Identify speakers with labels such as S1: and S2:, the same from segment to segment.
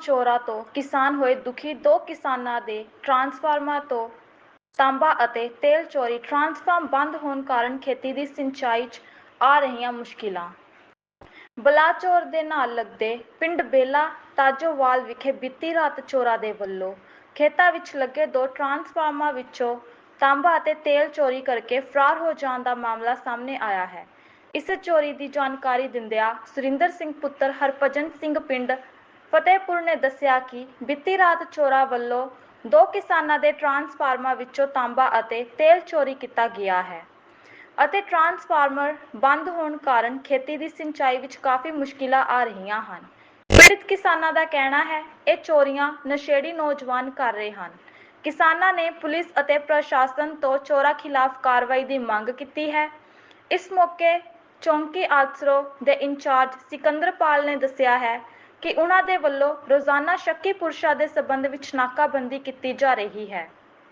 S1: ਚੋਰਾਂ ਤੋਂ ਕਿਸਾਨ ਹੋਏ ਦੁਖੀ। 2 ਕਿਸਾਨਾਂ ਦੇ ਟਰਾਂਸਫਾਰਮਰ ਤੋਂ ਤਾਂਬਾ ਅਤੇ ਤੇਲ ਚੋਰੀ। ਟਰਾਂਸਫਾਰਮਰ ਬੰਦ ਹੋਣ ਕਾਰਨ ਖੇਤੀ ਦੀ ਸਿੰਚਾਈ 'ਚ ਆ ਰਹੀਆਂ ਮੁਸ਼ਕਿਲਾਂ। ਬਲਾਚੌਰ ਦੇ ਨਾਲ ਲੱਗਦੇ ਪਿੰਡ ਬੇਲਾ ਤਾਜੋਵਾਲ ਵਿਖੇ ਬੀਤੀ ਰਾਤ ਚੋਰਾਂ ਦੇ ਵੱਲੋਂ ਖੇਤਾਂ ਵਿੱਚ ਲੱਗੇ 2 ਟਰਾਂਸਫਾਰਮਰਾਂ ਵਿੱਚੋਂ ਤਾਂਬਾ ਅਤੇ ਤੇਲ ਚੋਰੀ ਕਰਕੇ ਫਰਾਰ ਹੋ ਜਾਣ ਦਾ ਮਾਮਲਾ ਸਾਹਮਣੇ ਆਇਆ ਹੈ। ਇਸ ਚੋਰੀ ਦੀ ਜਾਣਕਾਰੀ ਦਿੰਦਿਆਂ ਸੁਰਿੰਦਰ ਸਿੰਘ ਪੁੱਤਰ ਹਰਭਜਨ ਸਿੰਘ ਪਿੰਡ ਫਤਿਹਪੁਰ ਨੇ ਦੱਸਿਆ ਕਿ ਬੀਤੀ ਰਾਤ ਚੋਰਾਂ ਵੱਲੋਂ 2 ਕਿਸਾਨਾਂ ਦੇ ਟਰਾਂਸਫਾਰਮਰਾਂ ਵਿੱਚੋਂ ਤਾਂਬਾ ਅਤੇ ਤੇਲ ਚੋਰੀ ਕੀਤਾ ਗਿਆ ਹੈ ਅਤੇ ਟਰਾਂਸਫਾਰਮਰ ਬੰਦ ਹੋਣ ਕਾਰਨ ਖੇਤੀ ਦੀ ਸਿੰਚਾਈ ਵਿੱਚ ਕਾਫੀ ਮੁਸ਼ਕਿਲਾਂ ਆ ਰਹੀਆਂ ਹਨ। ਪੀੜਤ ਕਿਸਾਨਾਂ ਦਾ ਕਹਿਣਾ ਹੈ ਇਹ ਚੋਰੀਆਂ ਨਸ਼ੇੜੀ ਨੌਜਵਾਨ ਕਰ ਰਹੇ ਹਨ। ਕਿਸਾਨਾਂ ਨੇ ਪੁਲਿਸ ਅਤੇ ਪ੍ਰਸ਼ਾਸਨ ਤੋਂ ਚੋਰਾਂ ਖਿਲਾਫ ਕਾਰਵਾਈ ਦੀ ਮੰਗ ਕੀਤੀ ਹੈ। ਇਸ ਮੌਕੇ ਚੌਂਕੀ ਆਸਰੋ ਦੇ ਇੰਚਾਰਜ ਸਿਕੰਦਰਪਾਲ ਨੇ ਦੱਸਿਆ ਹੈ ਕਿ ਉਹਨਾਂ ਦੇ ਵੱਲੋਂ ਰੋਜ਼ਾਨਾ ਸ਼ੱਕੀ ਪੁਰਸ਼ਾਂ ਦੇ ਸਬੰਧ ਵਿੱਚ ਨਾਕਾਬੰਦੀ ਕੀਤੀ ਜਾ ਰਹੀ ਹੈ।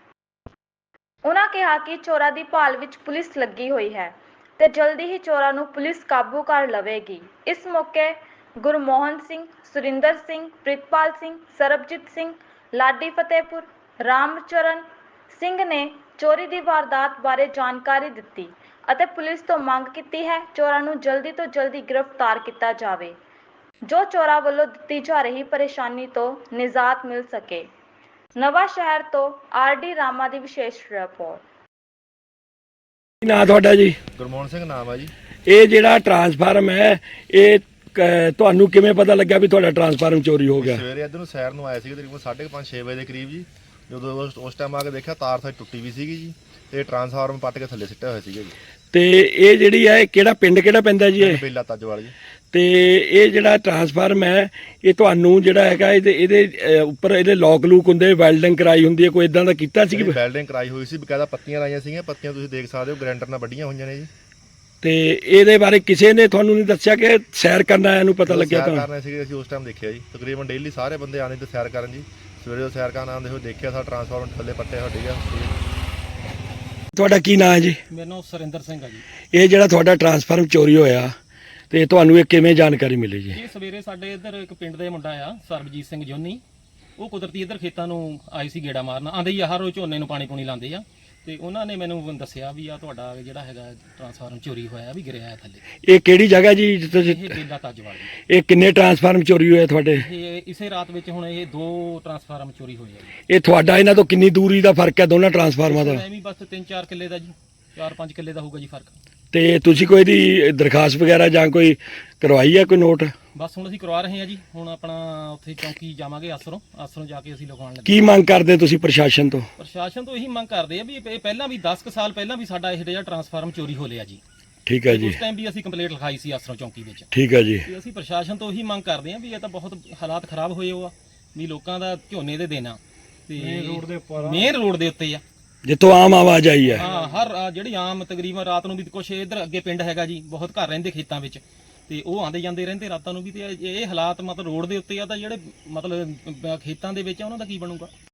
S1: ਉਹਨਾਂ ਕਿਹਾ ਕਿ ਚੋਰਾਂ ਦੀ ਭਾਲ ਵਿੱਚ ਪੁਲਿਸ ਲੱਗੀ ਹੋਈ ਹੈ ਤੇ ਜਲਦੀ ਹੀ ਚੋਰਾਂ ਨੂੰ ਪੁਲਿਸ ਕਾਬੂ ਕਰ ਲਵੇਗੀ। ਇਸ ਮੌਕੇ ਗੁਰਮੋਹਨ ਸਿੰਘ, ਸੁਰਿੰਦਰ ਸਿੰਘ, ਪ੍ਰਿਤਪਾਲ ਸਿੰਘ, ਸਰਬਜੀਤ ਸਿੰਘ, ਲਾਡੀ ਫਤਿਹਪੁਰ, ਰਾਮਚਰਨ ਸਿੰਘ ਨੇ ਚੋਰੀ ਦੀ ਵਾਰਦਾਤ ਬਾਰੇ ਜਾਣਕਾਰੀ ਦਿੱਤੀ ਅਤੇ ਪੁਲਿਸ ਤੋਂ ਮੰਗ ਕੀਤੀ ਹੈ ਚੋਰਾਂ ਨੂੰ ਜਲਦੀ ਤੋਂ ਜਲਦੀ ਗ੍ਰਿਫਤਾਰ ਕੀਤਾ ਜਾਵੇ ਜੋ ਚੋਰਾਂ ਵੱਲੋਂ ਦਿੱਤੀ ਜਾ ਰਹੀ ਪਰੇਸ਼ਾਨੀ ਤੋਂ ਨਿਜਾਤ ਮਿਲ ਸਕੇ। ਨਵਾਂ ਸ਼ਹਿਰ ਤੋਂ ਆਰ.ਡੀ. ਰਾਮਾ ਦੀ ਵਿਸ਼ੇਸ਼ ਰਿਪੋਰਟ।
S2: ਕੀ ਨਾਂ ਤੁਹਾਡਾ ਜੀ?
S3: ਗੁਰਮੋਹਨ ਸਿੰਘ ਨਾਮ ਆ ਜੀ।
S2: ਇਹ ਜਿਹੜਾ ਟਰਾਂਸਫਾਰਮ ਹੈ ਇਹ ਤੁਹਾਨੂੰ ਕਿਵੇਂ ਪਤਾ ਲੱਗਿਆ ਵੀ ਤੁਹਾਡਾ ਟਰਾਂਸਫਾਰਮ ਚੋਰੀ ਹੋ ਗਿਆ?
S3: ਸਵੇਰੇ ਇੱਧਰ ਨੂੰ ਸੈਰ ਨੂੰ ਆਇਆ ਸੀ ਤਕਰੀਬਨ 5:30-6 ਵਜੇ ਦੇ ਕਰੀਬ ਜੀ। ਜਦੋਂ ਉਸ ਟਾਈਮ ਆ ਕੇ ਦੇਖਿਆ ਤਾਰ ਸਾਡੀ ਟੁੱਟੀ ਵੀ ਸੀਗੀ ਜੀ ਤੇ ਟਰਾਂਸਫਾਰਮ ਪੱਟ ਕੇ ਥੱਲੇ ਸਿੱਟਿਆ ਹੋਇਆ ਸੀਗਾ ਜੀ।
S2: ਤੇ ਇਹ ਜਿਹੜੀ ਹੈ ਕਿਹੜਾ ਪਿੰਡ ਕਿਹੜਾ ਪੈਂਦਾ ਜੀ ਇਹ?
S3: ਬੇਲਾ ਤਾਜੋਵਾਲ ਜੀ।
S2: ਤੇ ਇਹ ਜਿਹੜਾ ਟਰਾਂਸਫਾਰਮ ਹੈ ਇਹ ਤੁਹਾਨੂੰ ਜਿਹੜਾ ਹੈਗਾ ਇਹਦੇ ਉੱਪਰ ਇਹਦੇ ਲੋਕ ਲੂਕ ਹੁੰਦੇ, ਵੈਲਡਿੰਗ ਕਰਾਈ ਹੁੰਦੀ ਹੈ, ਕੋਈ ਇਦਾਂ ਦਾ ਕੀਤਾ ਸੀ?
S3: ਵੈਲਡਿੰਗ ਕਰਾਈ ਹੋਈ ਸੀ, ਬਕਾਇਦਾ ਪੱਤੀਆਂ ਲਾਈਆਂ ਸੀਗੀਆਂ। ਪੱਤੀਆਂ ਤੁਸੀਂ ਦੇਖ ਸਕਦੇ ਹੋ ਗ੍ਰੈਂਡਰ ਨਾਲ ਵੱਡੀਆਂ ਹੋਈਆਂ ਨੇ ਜੀ।
S2: ਤੇ ਇਹਦੇ ਬਾਰੇ ਕਿਸੇ ਨੇ ਤੁਹਾਨੂੰ ਨਹੀਂ ਦੱਸਿਆ ਕਿ ਸੈਰ ਕਰਨ ਆਇਆ ਨੂੰ ਪਤਾ ਲੱਗਿਆ ਤੁਹਾਨੂੰ?
S3: ਸੈਰ ਕਰਨਾ ਸੀ ਅਸੀਂ ਉਸ ਟਾਈਮ ਦੇਖਿਆ ਜੀ। ਤਕਰੀਬਨ ਡੇਲੀ ਸਾਰੇ ਬੰਦੇ ਆਉਂਦੇ ਤੇ ਸੈਰ ਕਰਨ ਜੀ। ਸਵੇਰੇ ਸੈਰ ਕਰਨ ਆਉਂਦੇ ਹੋਏ ਦੇਖਿਆ ਸਾਡਾ ਟਰਾਂਸਫਾਰਮਰ ਥੱਲੇ ਪੱਟੇ ਹੋਏ ਸੀਗਾ।
S2: ਤੁਹਾਡਾ ਕੀ ਨਾਂ ਹੈ ਜੀ?
S4: ਮੇਰਾ ਨਾਮ ਸੁਰਿੰਦਰ ਸਿੰਘ ਆ ਜੀ।
S2: ਇਹ ਜਿਹੜਾ ਤੁਹਾਡਾ ਟਰਾਂਸਫਾਰਮ ਚੋਰੀ ਹੋਇਆ ਤੇ ਤੁਹਾਨੂੰ ਇਹ ਕਿਵੇਂ ਜਾਣਕਾਰੀ ਮਿਲੀ ਜੀ?
S4: ਇਹ ਸਵੇਰੇ ਸਾਡੇ ਇੱਧਰ ਇੱਕ ਪਿੰਡ ਦੇ ਮੁੰਡਾ ਆ ਸਰਬਜੀਤ ਸਿੰਘ ਜੋਨੀ, ਉਹ ਕੁਦਰਤੀ ਇੱਧਰ ਖੇਤਾਂ ਨੂੰ ਆਈ ਸੀ ਗੇੜਾ ਮਾਰਨ। ਆਂਦੇ ਹੀ ਹਰ ਰੋਜ਼ ਝੋਨੇ ਨੂੰ ਪਾਣੀ ਪੂਣੀ ਲਾਉਂਦੇ ਆ ਤੇ ਉਹਨਾਂ ਨੇ ਮੈਨੂੰ ਦੱਸਿਆ ਵੀ ਆ ਤੁਹਾਡਾ ਜਿਹੜਾ ਹੈਗਾ ਟਰਾਂਸਫਾਰਮ ਚੋਰੀ ਹੋਇਆ ਵੀ ਗਿਰਿਆ ਥੱਲੇ।
S2: ਇਹ ਕਿਹੜੀ ਜਗ੍ਹਾ ਜੀ?
S4: ਇਹ ਬੇਲਾ ਤਾਜੋਵਾਲ ਜੀ।
S2: ਇਹ ਕਿੰਨੇ ਟਰਾਂਸਫਾਰਮ ਚੋਰੀ ਹੋਏ ਤੁਹਾਡੇ?
S4: ਇਹ ਇਸੇ ਰਾਤ ਵਿੱਚ ਹੁਣ ਇਹ 2 ਟਰਾਂਸਫਾਰਮ ਚੋਰੀ ਹੋਏ ਆ ਜੀ।
S2: ਇਹ ਤੁਹਾਡਾ ਇਹਨਾਂ ਤੋਂ ਕਿੰਨੀ ਦੂਰੀ ਦਾ ਫਰਕ ਹੈ ਦੋਨਾਂ ਟਰਾਂਸਫਾਰਮਾਂ ਦਾ?
S4: ਐਵੇਂ ਬਸ 3-4 ਕਿੱਲੇ ਦਾ ਜੀ, 4-5 ਕਿੱਲੇ ਦਾ ਹੋਊਗਾ ਜੀ ਫਰਕ।
S2: ਤੇ ਤੁਸੀਂ ਕੋਈ ਦੀ ਦਰਖਾਸਤ ਵਗੈਰਾ ਜਾਂ ਕੋਈ ਕਰਵਾਈ ਹੈ, ਕੋਈ ਨੋਟ?
S4: ਬਸ ਹੁਣ ਅਸੀਂ ਕਰਵਾ ਰਹੇ ਹਾਂ ਜੀ। ਹੁਣ ਆਪਣਾ ਉੱਥੇ ਚੌਂਕੀ ਜਾਵਾਂਗੇ ਆਸਰੋਂ ਜਾ ਕੇ ਅਸੀਂ ਲਿਖਵਾਉਣ ਲੱਗੇ।
S2: ਕੀ ਮੰਗ ਕਰਦੇ ਤੁਸੀਂ ਪ੍ਰਸ਼ਾਸਨ ਤੋਂ?
S4: ਪ੍ਰਸ਼ਾਸਨ ਤੋਂ ਇਹੀ ਮੰਗ ਕਰਦੇ ਆ ਵੀ ਇਹ ਪਹਿਲਾਂ ਵੀ 10 ਸਾਲ ਪਹਿਲਾਂ ਵੀ ਸਾਡਾ ਇਹ ਜਿਹੜਾ ਟਰਾਂਸਫਾਰਮ ਚੋਰੀ ਹੋ ਲਿਆ ਜੀ।
S2: ਠੀਕ ਹੈ ਜੀ।
S4: ਉਸ ਟਾਈਮ ਵੀ ਅਸੀਂ ਕੰਪਲੇਂਟ ਲਿਖਾਈ ਸੀ ਆਸਰੋਂ ਚੌਂਕੀ ਵਿੱਚ।
S2: ਠੀਕ ਹੈ ਜੀ।
S4: ਤੇ ਅਸੀਂ ਪ੍ਰਸ਼ਾਸਨ ਤੋਂ ਇਹੀ ਮੰਗ ਕਰਦੇ ਆ ਵੀ ਇਹ ਤਾਂ ਬਹੁਤ ਹਾਲਾਤ ਖਰਾਬ ਹੋਏ ਹੋ ਆ ਵੀ ਲੋਕਾਂ ਦਾ ਝੋਨੇ ਦੇ ਦੇਣਾ ਤੇ ਮੇਨ ਰੋਡ ਦੇ ਉੱਤੇ ਆ
S2: ਜਿੱਥੋਂ ਆਮ ਆਵਾਜ਼ ਆਈ ਹੈ।
S4: ਹਾਂ, ਹਰ ਜਿਹੜੀ ਆਮ ਤਕਰੀਬਨ ਰਾਤ ਨੂੰ ਵੀ ਕੁਛ ਇੱਧਰ ਅੱਗੇ ਪਿੰਡ ਹੈਗਾ ਜੀ, ਬਹੁਤ ਘਰ ਰਹਿੰਦੇ ਖੇਤਾਂ ਵਿੱਚ ਤੇ ਉਹ ਆਂਦੇ ਜਾਂਦੇ ਰਹਿੰਦੇ ਰਾਤਾਂ ਨੂੰ ਵੀ। ਤੇ ਇਹ ਹਾਲਾਤ ਮਤਲਬ ਰੋਡ ਦੇ ਉੱਤੇ ਆ ਤਾਂ ਜਿਹੜੇ ਮਤਲਬ ਖੇਤਾਂ ਦੇ ਵਿੱਚ ਆ ਉਹਨਾਂ ਦਾ ਕੀ ਬਣੂਗਾ?